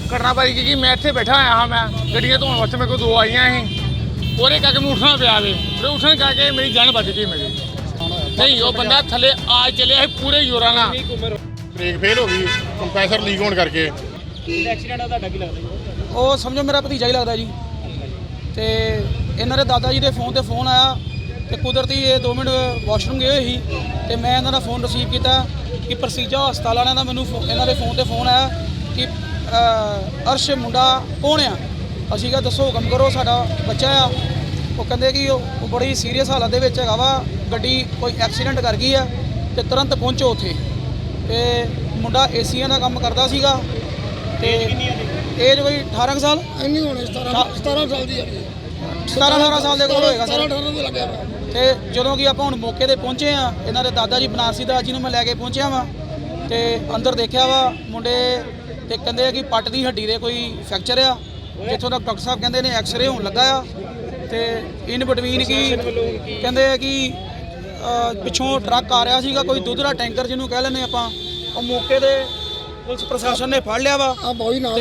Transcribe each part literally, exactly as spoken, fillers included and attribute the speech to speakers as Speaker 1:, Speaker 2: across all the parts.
Speaker 1: घटना भाई की मैं इतने बैठा आया हाँ मैं गड्डियाँ धोने वास्ते मेरे को दो आई ही और एक करके मैं उठना पिया वे फिर उठने करके मेरी जान बच गई मेरी नहीं वो बंदा थले आज चलिया पूरे जोरा ना
Speaker 2: ब्रेक फेल हो गई कंप्रेसर लीक होने करके
Speaker 3: एक्सीडेंट ਤੁਹਾਡਾ ਕੀ ਲੱਗਦਾ ਜੀ
Speaker 4: ਉਹ ਸਮਝੋ ਮੇਰਾ ਭਤੀਜਾ ਹੀ ਲੱਗਦਾ ਜੀ ਤੇ ਇਹਨਾਂ ਦੇ ਦਾਦਾ ਜੀ ਦੇ ਫੋਨ ਤੇ ਫੋਨ ਆਇਆ ਤੇ ਕੁਦਰਤੀ ਇਹ ਦੋ ਮਿੰਟ ਵਾਸ਼ਰੂਮ ਗਏ ਹੋਏ ਸੀ ਤੇ ਮੈਂ ਇਹਨਾਂ ਦਾ ਫੋਨ ਰਿਸੀਵ ਕੀਤਾ ਕਿ ਪ੍ਰਸੀਜਾ ਹਸਪਤਾਲ ਵਾਲਿਆਂ ਦਾ ਮੈਨੂੰ ਇਹਨਾਂ ਦੇ ਫੋਨ ਤੇ ਫੋਨ ਆਇਆ ਕਿ ਅਰਸ਼ ਮੁੰਡਾ ਕੌਣ ਆ ਅਸੀਂ ਕਿਹਾ ਦੱਸੋ ਹੁਕਮ ਕਰੋ ਸਾਡਾ ਬੱਚਾ ਆ ਉਹ ਕਹਿੰਦੇ ਕਿ ਉਹ ਬੜੀ ਸੀਰੀਅਸ ਹਾਲਤ ਦੇ ਵਿੱਚ ਹੈਗਾ ਵਾ ਗੱਡੀ ਕੋਈ ਐਕਸੀਡੈਂਟ ਕਰ ਗਈ ਆ ਤੇ ਤੁਰੰਤ ਪਹੁੰਚੋ ਉੱਥੇ ਤੇ ਮੁੰਡਾ ਏਸੀਆਂ ਦਾ ਕੰਮ ਕਰਦਾ ਸੀਗਾ ਤੇ ਏਜ ਕੋਈ ਅਠਾਰਾਂ ਸਾਲ
Speaker 5: ਇੰਨੀ ਹੋਣੀ ਸਤਾਰਾਂ ਸਤਾਰਾਂ ਸਾਲ ਦੀ ਹੈ
Speaker 4: ਸਤਾਰਾਂ ਅਠਾਰਾਂ ਸਾਲ ਦੇ ਕੋਲ ਹੋਏਗਾ
Speaker 5: ਸਤਾਰਾਂ
Speaker 4: ਸਰ
Speaker 5: ਅਠਾਰਾਂ ਦੇ ਲੱਗਿਆ
Speaker 4: ਤੇ ਜਦੋਂ ਕਿ ਆਪਾਂ ਹੁਣ ਮੌਕੇ ਤੇ ਪਹੁੰਚੇ ਆ ਇਹਨਾਂ ਦੇ ਦਾਦਾ ਜੀ ਬਨਾਰਸੀ ਦਾਸ ਜੀ ਨੂੰ ਮੈਂ ਲੈ ਕੇ ਪਹੁੰਚਿਆ ਵਾਂ ਤੇ ਅੰਦਰ ਦੇਖਿਆ ਵਾ ਮੁੰਡੇ ਤੇ ਕਹਿੰਦੇ ਆ ਕਿ ਪੱਟ ਦੀ ਹੱਡੀ ਦੇ ਕੋਈ ਫ੍ਰੈਕਚਰ ਆ ਜਿੱਥੋਂ ਤੱਕ ਡਾਕਟਰ ਸਾਹਿਬ ਕਹਿੰਦੇ ਨੇ ਐਕਸ-ਰੇ ਹੋਣ ਲੱਗਾ ਆ ਤੇ ਇਨ ਬਿਟਵੀਨ ਕੀ ਕਹਿੰਦੇ ਆ ਕਿ ਪਿੱਛੋਂ ਟਰੱਕ ਆ ਰਿਹਾ ਸੀਗਾ ਕੋਈ ਦੁੱਧ ਦਾ ਟੈਂਕਰ ਜਿਹਨੂੰ ਕਹਿ ਲੈਂਦੇ ਆਪਾਂ ਉਹ ਮੌਕੇ ਤੇ ਪੁਲਿਸ ਪ੍ਰਸ਼ਾਸਨ ਨੇ ਫੜ ਲਿਆ ਵਾ
Speaker 5: ਆ ਬੋਈ ਨਾਲ
Speaker 4: ਤੇ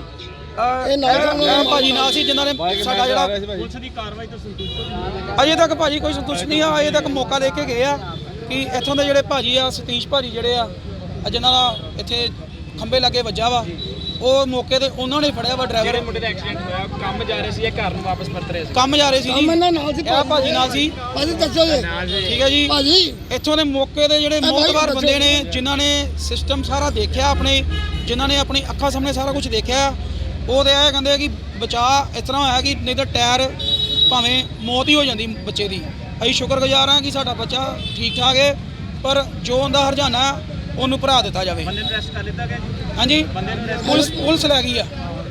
Speaker 5: ਇਹ ਨਾਲ
Speaker 4: ਇਹ ਭਾਜੀ ਨਾਲ ਸੀ ਜਿਨ੍ਹਾਂ ਨੇ ਸਾਡਾ ਜਿਹੜਾ
Speaker 3: ਪੁਲਿਸ ਦੀ ਕਾਰਵਾਈ ਤੋਂ ਸੰਤੁਸ਼ਟ
Speaker 4: ਅਜੇ ਤੱਕ ਭਾਜੀ ਕੋਈ ਸੰਤੁਸ਼ਟ ਨਹੀਂ ਆ ਅਜੇ ਤੱਕ ਮੌਕਾ ਦੇ ਕੇ ਗਏ ਆ ਕਿ ਇੱਥੋਂ ਦੇ ਜਿਹੜੇ ਭਾਜੀ ਆ ਸਤੀਸ਼ ਭਾਜੀ ਜਿਹੜੇ ਆ ਜਿਨ੍ਹਾਂ ਦਾ ਇੱਥੇ ਖੰਭੇ ਲੱਗੇ ਵੱਜਾ ਵਾ ਉਹ ਮੌਕੇ ਤੇ ਉਹਨਾਂ ਨੇ ਫੜਿਆ ਵਾ
Speaker 3: ਜਿਹੜੇ
Speaker 4: ਡਰਾਈਵਰ
Speaker 3: ਮੁੰਡੇ ਦਾ ਐਕਸੀਡੈਂਟ ਹੋਇਆ ਕੰਮ ਜਾ ਰਹੇ ਸੀ ਇਹ ਘਰ ਨੂੰ ਵਾਪਸ ਪਰਤ ਰਹੇ ਸੀ
Speaker 4: ਕੰਮ ਜਾ ਰਹੇ ਸੀ ਜੀ
Speaker 5: ਕੰਮ ਇਹਨਾਂ ਨਾਲ ਸੀ
Speaker 4: ਇਹ ਭਾਜੀ ਨਾਲ ਸੀ
Speaker 5: ਭਾਜੀ ਦੱਸੋ ਜੀ
Speaker 4: ਠੀਕ ਹੈ ਜੀ
Speaker 5: ਭਾਜੀ
Speaker 4: ਇੱਥੋਂ ਦੇ ਮੌਕੇ ਦੇ ਜਿਹੜੇ
Speaker 5: ਭਾਈ
Speaker 4: ਮੋਤਬਾਰ
Speaker 5: ਬੱਚੇ-
Speaker 4: ਬੰਦੇ ਨੇ ਜਿਨ੍ਹਾਂ ਨੇ ਸਿਸਟਮ ਸਾਰਾ ਦੇਖਿਆ ਆਪਣੇ ਜਿਨ੍ਹਾਂ ਨੇ ਆਪਣੀ ਅੱਖਾਂ ਸਾਹਮਣੇ ਸਾਰਾ ਕੁਝ ਦੇਖਿਆ ਉਹ ਤੇ ਇਹ ਕਹਿੰਦੇ ਕਿ ਬਚਾ ਇਸ ਤਰ੍ਹਾਂ ਹੋਇਆ ਕਿ ਨਹੀਂ ਤਾਂ ਟਾਇਰ ਭਾਵੇਂ ਮੌਤ ਹੀ ਹੋ ਜਾਂਦੀ ਬੱਚੇ ਦੀ ਅਸੀਂ ਸ਼ੁਕਰਗੁਜ਼ਾਰ ਹਾਂ ਕਿ ਸਾਡਾ ਬੱਚਾ ਠੀਕ ਠਾਕ ਹੈ ਪਰ ਜੋ ਉਹਦਾ ਹਰਜਾਨਾ ਉਹਨੂੰ ਭਰਾ ਦਿੱਤਾ ਜਾਵੇ
Speaker 3: ਬੰਦੇ ਨੂੰ ਅਰੈਸਟ ਕਰ ਲਿੱਤਾ ਗਿਆ ਜੀ
Speaker 4: ਹਾਂਜੀ
Speaker 3: ਬੰਦੇ ਨੂੰ arrest
Speaker 4: ਪੁਲਿਸ ਪੁਲਿਸ ਲੈ ਗਈ ਆ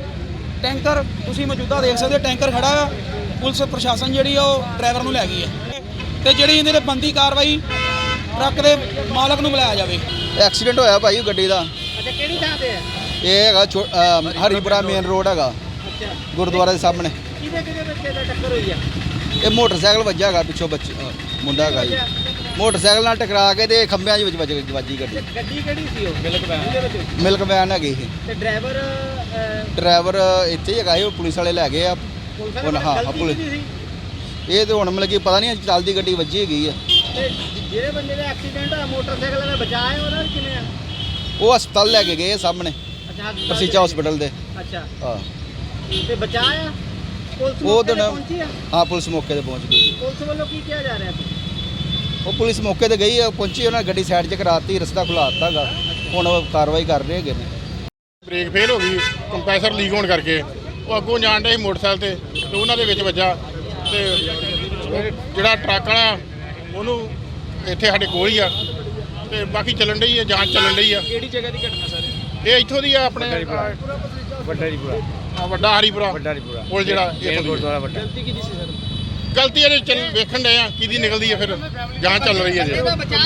Speaker 4: ਟੈਂਕਰ ਤੁਸੀਂ ਮੌਜੂਦਾ ਦੇਖ ਸਕਦੇ ਹੋ ਟੈਂਕਰ ਖੜਾ ਆ ਪੁਲਿਸ ਪ੍ਰਸ਼ਾਸਨ ਜਿਹੜੀ ਆ ਉਹ ਡਰਾਈਵਰ ਨੂੰ ਲੈ ਗਈ ਆ ਤੇ ਜਿਹੜੀ ਇਹਦੇ ਤੇ ਬੰਦੀ ਕਾਰਵਾਈ ਟਰੱਕ ਦੇ ਮਾਲਕ ਨੂੰ ਬੁਲਾਇਆ ਜਾਵੇ
Speaker 6: ਐਕਸੀਡੈਂਟ ਹੋਇਆ ਭਾਈ ਗੱਡੀ ਦਾ
Speaker 3: ਅੱਛਾ ਕਿਹੜੀ ਥਾਂ ਤੇ ਹੈ
Speaker 6: ਇਹ ਹੈਗਾ ਛੋ- ਅਹ ਹਰੀਪੁਰਾ ਮੇਨ ਰੋਡ ਹੈਗਾ
Speaker 3: ਅੱਛਾ
Speaker 6: ਗੁਰਦੁਆਰੇ ਦੇ ਸਾਹਮਣੇ
Speaker 3: ਕਿਹਦੇ ਕਿਹਦੇ ਬੱਚੇ ਦਾ ਟੱਕਰ ਹੋਈ ਆ
Speaker 6: ਇਹ ਮੋਟਰਸਾਈਕਲ ਵੱਜਾ ਹੈਗਾ ਪਿੱਛੋਂ ਬੱਚੇ ਅਹ ਮੁੰਡਾ ਹੈਗਾ ਜੀ ਮੋਟਰਸਾਈਕਲ ਨਾਲ ਟਕਰਾ ਕੇ ਤੇ ਖੰਭਿਆਂ ਦੇ ਵਿੱਚ ਵੱਜ ਗਈ ਵੱਜੀ ਗੱਡੀ
Speaker 3: ਤੇ ਗੱਡੀ ਕਿਹੜੀ ਸੀ ਉਹ ਮਿਲਕ ਵੈਨ ਉਹਦੇ ਵਿੱਚ
Speaker 6: ਮਿਲਕ ਵੈਨ ਹੈਗੀ ਇਹ
Speaker 3: ਤੇ ਡਰਾਈਵਰ
Speaker 6: ਡਰਾਈਵਰ ਇੱਥੇ ਹੀ ਹੈਗਾ ਇਹ ਪੁਲਿਸ ਵਾਲੇ ਲੈ ਗਏ ਆ
Speaker 3: ਪੁਲਿਸ
Speaker 6: ਹੁਣ ਹਾਂ,
Speaker 3: ਗਲਤੀ
Speaker 6: ਪੁਲਿਸ-
Speaker 3: ਕਿਹਦੀ ਸੀ
Speaker 6: ਇਹ ਤੇ ਹੁਣ ਮਤਲਬ ਕਿ ਪਤਾ ਨਹੀਂ ਚੱਲਦੀ ਗੱਡੀ ਵੱਜੀ ਹੈਗੀ ਆ
Speaker 3: ਤੇ ਜਿਹੜੇ ਬੰਦੇ ਦਾ ਐਕਸੀਡੈਂਟ ਹੋਇਆ ਮੋਟਰਸਾਈਕਲ ਵਾਲਾ ਬਚਾਇਆ ਉਹਦਾ ਕਿਵੇਂ ਆ
Speaker 6: ਉਹ ਹਸਪਤਾਲ ਲੈ ਕੇ ਗਏ ਆ ਸਾਹਮਣੇ
Speaker 3: ਅੱਛਾ ਹਸਪਤਾਲ
Speaker 6: ਪ੍ਰਸੀਚਾ ਹਸਪੀਟਲ ਦੇ
Speaker 3: ਅੱਛਾ
Speaker 6: ਹਾਂ
Speaker 3: ਤੇ ਬਚਾਇਆ ਪੁਲਿਸ
Speaker 6: ਉਹ
Speaker 3: ਮੌਕੇ ਤੇ
Speaker 6: ਦਿਨ-
Speaker 3: ਪਹੁੰਚੀ ਆ
Speaker 6: ਹਾਂ ਪੁਲਿਸ ਮੌਕੇ ਤੇ ਪਹੁੰਚ ਗਈ
Speaker 3: ਪੁਲਿਸ ਵੱਲੋਂ ਕੀ ਕਿਹਾ ਜਾ ਰਿਹਾ ਸੀ
Speaker 6: ਉਹ ਪੁਲਿਸ ਮੌਕੇ ਤੇ ਗਈ ਆ ਪਹੁੰਚੀ ਉਹਨਾਂ ਨੇ ਗੱਡੀ ਸਾਈਡ 'ਚ ਕਰਾਤੀ ਰਸਤਾ ਖੁਲਾ ਦਿੱਤਾ ਗਾ ਹੁਣ ਉਹ ਕਾਰਵਾਈ ਕਰ ਰਹੇ ਹੈਗੇ ਨੇ
Speaker 2: ਬ੍ਰੇਕ ਫੇਲ ਹੋ ਗਈ ਕੰਪਰੈਸਰ ਲੀਕ ਹੋਣ ਕਰਕੇ ਉਹ ਅੱਗੋਂ ਜਾਣ ਡਿਆ ਸੀ ਮੋਟਰਸਾਈਕਲ ਤੇ ਤੇ ਉਹਨਾਂ ਦੇ ਵਿੱਚ ਵੱਜਾ ਤੇ ਉਹ ਜਿਹੜਾ ਟਰੱਕ ਵਾਲਾ ਉਹਨੂੰ ਇੱਥੇ ਸਾਡੇ ਕੋਲ ਹੀ ਆ ਤੇ ਬਾਕੀ ਚੱਲਣ ਡਈ ਆ ਜਾਂਚ ਚੱਲਣ ਡਈ ਆ
Speaker 3: ਕਿਹੜੀ ਜਗ੍ਹਾ ਦੀ ਘਟਨਾ ਸਰ
Speaker 2: ਇਹ ਇੱਥੋਂ ਦੀ ਆ ਆਪਣੇ
Speaker 3: ਵੱਡਾ ਹਰੀਪੁਰਾ
Speaker 2: ਆ ਵੱਡਾ ਹਰੀਪੁਰਾ
Speaker 3: ਵੱਡਾ ਹਰੀਪੁਰਾ
Speaker 2: ਪੁਲ ਜਿਹੜਾ ਇੱਥੋਂ ਦੀ ਆ।
Speaker 3: ਵੱਡਾ ਗਲਤੀ ਕਿਹਦੀ ਸੀ ਸਰ
Speaker 2: ਗਲਤੀ ਇਹਦੇ ਚੱਲ ਵੇਖਣ ਡਏ ਆ ਕਿਹਦੀ ਨਿਕਲਦੀ ਆ ਫਿਰ ਜਾਂਚ ਚੱਲ ਰਹੀ ਹੈ ਜੀ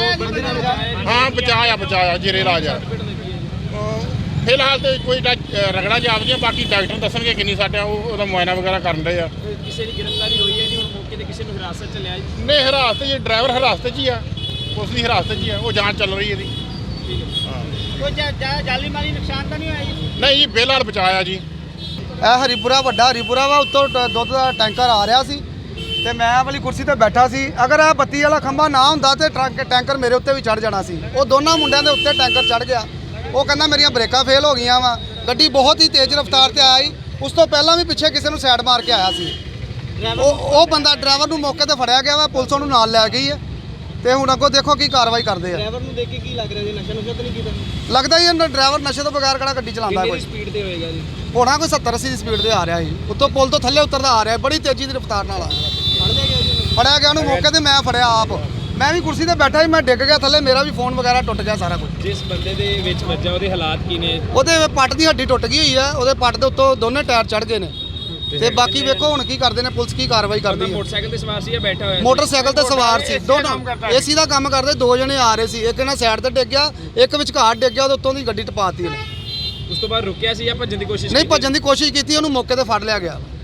Speaker 2: ਹਾਂ ਬਚਾਇਆ ਬਚਾਇਆ ਜੇਰੇ ਇਲਾਜ ਆ ਅਹ ਫਿਲਹਾਲ ਤੇ ਕੋਈ ਡਾ- ਰਗੜਾ ਜਾਪਦੀਆਂ ਬਾਕੀ ਡਾਕਟਰ ਦੱਸਣਗੇ ਕਿੰਨੀ ਸਾਡਾ ਉਹ ਉਹਦਾ ਮੁਆਇਨਾ ਵਗੈਰਾ ਕਰਨ ਡਏ ਆ
Speaker 3: ਕਿਸੇ ਦੀ ਗ੍ਰਿਫਤਾਰੀ ਹੋਈ ਹੈ ਨਹੀਂ ਹੁਣ ਮੌਕੇ ਤੇ ਕਿਸੇ ਨੂੰ ਹਿਰਾਸਤ ਚ ਲਿਆ ਜੀ
Speaker 2: ਨਹੀਂ ਹਿਰਾਸਤ 'ਚ ਡਰਾਈਵਰ ਹਿਰਾਸਤ 'ਚ ਹੀ ਆ ਉਸ ਦੀ ਹਿਰਾਸਤ 'ਚ ਹੀ ਆ ਉਹ ਜਾਂਚ ਚੱਲ ਰਹੀ ਇਹਦੀ ਹਾਂ
Speaker 3: ਕੋਈ ਜਾਲੀ ਮਾਲੀ ਨੁਕਸਾਨ ਤਾਂ ਨਹੀਂ ਹੋਇਆ ਜੀ
Speaker 2: ਨਹੀਂ ਜੀ ਫਿਲਹਾਲ ਬਚਾਇਆ ਜੀ
Speaker 6: ਇਹ ਹਰੀਪੁਰਾ ਵੱਡਾ ਹਰੀਪੁਰਾ ਵਾ ਉੱਤੋਂ ਟ- ਦੁੱਧ ਦਾ ਟੈਂਕਰ ਆ ਰਿਹਾ ਸੀ ਤੇ ਮੈਂ ਵਾਲੀ ਕੁਰਸੀ ਤੇ ਬੈਠਾ ਸੀ ਅਗਰ ਇਹ ਬੱਤੀ ਵਾਲਾ ਖੰਭਾ ਨਾ ਹੁੰਦਾ ਤੇ ਟਰੱਕ ਟੈਂਕਰ ਮੇਰੇ ਉੱਤੇ ਵੀ ਚੜ ਜਾਣਾ ਸੀ ਉਹ ਦੋਨਾਂ ਮੁੰਡਿਆਂ ਦੇ ਉੱਤੇ ਟੈਂਕਰ ਚੜ ਗਿਆ ਉਹ ਕਹਿੰਦਾ ਮੇਰੀਆਂ ਬ੍ਰੇਕਾਂ ਫੇਲ ਹੋ ਗਈਆਂ ਵਾ ਗੱਡੀ ਬਹੁਤ ਹੀ ਤੇਜ਼ ਰਫ਼ਤਾਰ ਤੇ ਆਈ ਉਸ ਤੋਂ ਪਹਿਲਾਂ ਵੀ ਪਿੱਛੇ ਕਿਸੇ ਨੂੰ ਸਾਈਡ ਮਾਰ ਕੇ ਆਇਆ ਸੀ ਉਹ ਉਹ ਬੰਦਾ ਡਰਾਈਵਰ ਨੂੰ ਮੌਕੇ ਤੇ ਫੜਿਆ ਗਿਆ ਵਾ ਪੁਲਿਸ ਉਹਨੂੰ ਨਾਲ ਲੈ ਗਈ ਹੈ ਤੇ ਹੁਣ ਅੱਗੋਂ ਦੇਖੋ ਕੀ ਕਾਰਵਾਈ ਕਰਦੇ ਆ
Speaker 3: ਡਰਾਈਵਰ ਨੂੰ ਦੇਖ ਕੇ ਕੀ ਲੱਗ ਰਿਹਾ ਜੀ ਨਸ਼ਾ ਨੁਸ਼ਾ ਤਾਂ ਨਹੀਂ ਕੀਤਾ
Speaker 6: ਲੱਗਦਾ ਹੀ ਇਹਨਾਂ ਡਰਾਈਵਰ ਨਸ਼ੇ ਤੋਂ ਬਗੈਰ ਕਿਹੜਾ ਗੱਡੀ ਚਲਾਉਂਦਾ
Speaker 3: ਕਿੰਨੀ
Speaker 6: ਕੋਈ
Speaker 3: ਸਪੀਡ ਤੇ ਹੋਏਗਾ ਜੀ
Speaker 6: ਹੋਣਾ ਕੋਈ ਸੱਤਰ ਅੱਸੀ ਦੀ ਸਪੀਡ ਤੇ ਆ ਰਿਹਾ ਸੀ ਉੱਤੋਂ ਪੁਲ ਤੋਂ ਥੱਲੇ ਉਤਰਦਾ ਆ ਰਿਹਾ ਬੜੀ ਤੇਜ਼ੀ ਦੀ ਰਫ਼ਤਾਰ ਨਾਲ ਆ
Speaker 3: ਫੜ ਲਿਆ ਗਿਆ ਜੀ
Speaker 6: ਫੜਿਆ ਗਿਆ ਉਹਨੂੰ ਮੌਕੇ ਤੇ ਮੈਂ ਫੜਿਆ ਆਪ ਮੈਂ ਵੀ ਕੁਰਸੀ ਤੇ ਬੈਠਾ ਸੀ ਮੈਂ ਡਿੱਗ ਗਿਆ ਥੱਲੇ ਮੇਰਾ ਵੀ ਫੋਨ ਵਗੈਰਾ ਟੁੱਟ ਗਿਆ ਸਾਰਾ ਕੁਝ
Speaker 3: ਜਿਸ ਬੰਦੇ ਦੇ ਵਿੱਚ ਵੱਜਾ ਉਹਦੇ ਹਾਲਾਤ ਕੀ ਨੇ
Speaker 6: ਉਹਦੇ ਪੱਟ ਦੀ ਹੱਡੀ ਟੁੱਟ ਗਈ ਹੋਈ ਆ ਉਹਦੇ ਪੱਟ ਦੇ ਉੱਤੋਂ ਦੋਨੇ ਟਾਇਰ ਚੜ ਗਏ ਨੇ ਤੇ ਬਾਕੀ ਵੇਖੋ ਹੁਣ ਕੀ ਕਰਦੇ ਨੇ ਪੁਲਿਸ ਕੀ ਕਾਰਵਾਈ ਕਰਦੀ ਹੈ
Speaker 3: ਮੋਟਰਸਾਈਕਲ ਤੇ ਸਵਾਰ ਸੀ ਜਾਂ ਬੈਠਾ ਹੋਇਆ ਸੀ
Speaker 6: ਮੋਟਰਸਾਈਕਲ ਤੇ ਸਵਾਰ ਸੀ ਦੋਨੋਂ ਏਸੀ ਦਾ ਕੰਮ ਕਰਦੇ ਦੋ ਜਣੇ ਆ ਰਹੇ ਸੀ ਇੱਕ ਇਹਨਾਂ ਸਾਈਡ ਤੇ ਡਿੱਗ ਗਿਆ ਇੱਕ ਵਿਚਕਾਰ ਡਿੱਗ ਗਿਆ ਉਹਦੇ ਉੱਤੋਂ ਦੀ ਗੱਡੀ ਟਪਾਤੀ ਉਹਨੇ
Speaker 3: ਉਸ ਤੋਂ ਬਾਅਦ ਰੁਕਿਆ ਸੀ ਜਾਂ ਭੱਜਣ ਦੀ ਕੋਸ਼ਿਸ਼
Speaker 6: ਨਹੀਂ
Speaker 3: ਕੀਤੀ?
Speaker 6: ਭੱਜਣ ਦੀ ਕੋਸ਼ਿਸ਼ ਕੀਤੀ ਉਹਨੂੰ ਮੌਕੇ ਤੇ ਫੜ ਲਿਆ ਗਿਆ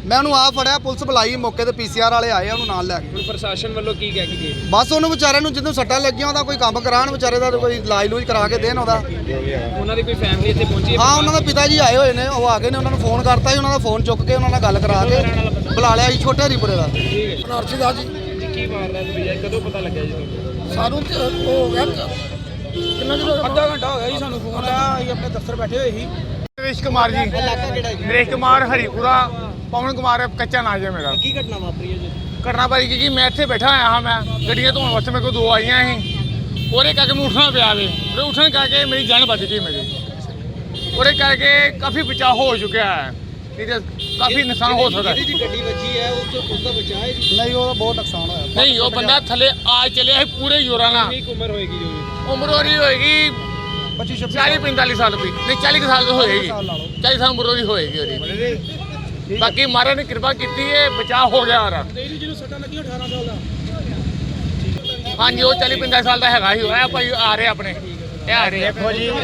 Speaker 6: ਮੈਂ ਉਹਨੂੰ ਆ ਫੜਿਆ, ਪੁਲਿਸ ਬੁਲਾਈ ਮੌਕੇ ਤੇ ਪੀਸੀਆਰ ਵਾਲੇ ਆਏ ਉਹਨੂੰ ਨਾਲ ਲੈ ਕੇ।
Speaker 7: ਹੁਣ ਪ੍ਰਸ਼ਾਸਨ ਵੱਲੋਂ ਕੀ ਕਹਿ ਕੇ ਗਏ?
Speaker 6: ਬਸ ਉਹਨੂੰ ਵਿਚਾਰੇ ਨੂੰ ਜਦੋਂ ਸੱਟਾਂ ਲੱਗੀਆਂ ਉਹਦਾ ਕੋਈ ਕੰਮ ਕਰਾਉਣ, ਵਿਚਾਰੇ ਦਾ ਕੋਈ ਇਲਾਜ ਲੂਜ ਕਰਾ ਕੇ ਦੇਣ ਉਹਦਾ।
Speaker 7: ਉਹਨਾਂ ਦੀ ਕੋਈ ਫੈਮਿਲੀ ਇੱਥੇ ਪਹੁੰਚੀ ਹੈ?
Speaker 6: ਹਾਂ ਉਹਨਾਂ ਦੇ ਪਿਤਾ ਜੀ ਆਏ ਹੋਏ ਨੇ, ਉਹ ਆ ਗਏ ਨੇ, ਉਹਨਾਂ ਨੂੰ ਫੋਨ ਕਰਤਾ ਸੀ, ਉਹਨਾਂ ਦਾ ਫੋਨ ਚੁੱਕ ਕੇ ਉਹਨਾਂ ਨਾਲ ਗੱਲ ਕਰਾ ਕੇ ਬੁਲਾ ਲਿਆ ਜੀ, ਛੋਟੇ ਹਰੀਪੁਰੇ ਦਾ।
Speaker 5: ਨਰਸੀ ਦਾ ਜੀ
Speaker 7: ਜੀ ਕੀ ਵਾਰਦਾਤ ਹੋਈ ਹੈ, ਕਦੋਂ ਪਤਾ ਲੱਗਿਆ ਜੀ ਤੁਹਾਨੂੰ?
Speaker 5: ਸਾਨੂੰ ਤੇ ਉਹ ਹੋ ਗਿਆ ਕਿੰਨਾ ਚਿਰ ਹੋ ਗਿਆ?
Speaker 4: ਅੱਧਾ ਘੰਟਾ ਹੋ ਗਿਆ ਜੀ ਸਾਨੂੰ ਫੋਨ ਆਇਆ, ਅਸੀਂ ਆਪਣੇ ਦਫ਼ਤਰ ਬੈਠੇ ਹੋਏ ਸੀ।
Speaker 1: ਨਰੇਸ਼ ਕੁਮਾਰ ਜੀ, ਨਰੇਸ਼ ਕੁਮਾਰ ਹਰੀਪੁਰਾ, ਪਵਨ ਕੁਮਾਰ ਕੱਚਾ ਨਾਂ ਜੀ ਮੇਰਾ।
Speaker 3: ਕੀ ਘਟਨਾ ਵਾਪਰੀ ਹੈ ਜੀ?
Speaker 1: ਘਟਨਾ ਭਾਈ ਕਿ ਮੈਂ ਇੱਥੇ ਬੈਠਾ ਆਇਆ ਹਾਂ, ਮੈਂ ਗੱਡੀਆਂ ਧੋਣ ਵਾਸਤੇ ਮੇਰੇ ਕੋਲ ਦੋ ਆਈਆਂ ਸੀ, ਉਹਦੇ ਕਰਕੇ ਮੈਨੂੰ ਉੱਠਣਾ ਪਿਆ ਵੇ, ਉਹਦੇ ਉੱਠਣ ਕਰਕੇ ਮੇਰੀ ਜਾਨ ਬਚ ਗਈ ਮੇਰੀ, ਉਹਦੇ ਕਰਕੇ ਕਾਫੀ ਬਚਾਅ ਹੋ ਚੁੱਕਿਆ ਹੈ, ਨਹੀਂ ਤਾਂ ਕਾਫੀ ਨੁਕਸਾਨ ਹੋ ਸਕਦਾ ਹੈ।
Speaker 3: ਜਿਹਦੀ ਗੱਡੀ ਵੱਜੀ ਹੈ ਉਸ ਉਸ ਦਾ ਬਚਾਅ ਹੈ ਜੀ?
Speaker 6: ਨਹੀਂ ਉਹਦਾ ਬਹੁਤ ਨੁਕਸਾਨ ਹੋਇਆ।
Speaker 1: ਨਹੀਂ ਉਹ ਬੰਦਾ ਥੱਲੇ ਆ ਚੱਲਿਆ ਸੀ ਪੂਰੇ ਜ਼ੋਰਾਂ ਨਾਲ।
Speaker 7: ਕਿੰਨੀ ਕੁ ਉਮਰ ਹੋਏਗੀ ਜੀ?
Speaker 1: ਉਮਰ ਉਹਦੀ ਹੋਏਗੀ
Speaker 6: ਪੱਚੀ ਛੱਬੀ
Speaker 1: ਚਾਲੀ ਪੰਤਾਲੀ ਸਾਲ ਦੀ, ਨਹੀਂ ਚਾਲੀ ਕੁ ਸਾਲ ਦੀ ਹੋਏਗੀ, ਚਾਲੀ ਸਾਲ ਉਮਰ ਉਹਦੀ ਹੋਏਗੀ ਉਹਦੀ। ਬਾਕੀ ਮਹਾਰਾਜ ਨੇ ਕਿਰਪਾ ਕੀਤੀ ਹੈ, ਬਚਾਅ ਹੋ ਗਿਆ ਉਹਦਾ।
Speaker 4: ਜਿਹਨੂੰ ਸੱਟਾਂ ਲੱਗੀਆਂ ਅਠਾਰਾਂ ਸਾਲ ਦਾ।
Speaker 1: ਹਾਂਜੀ ਉਹ ਚਾਲੀ ਪੰਤਾਲੀ ਸਾਲ ਦਾ ਹੈਗਾ ਸੀ, ਉਹ ਭਾਈ ਆ ਰਹੇ ਆਪਣੇ, ਇਹ ਆ ਰਹੇ।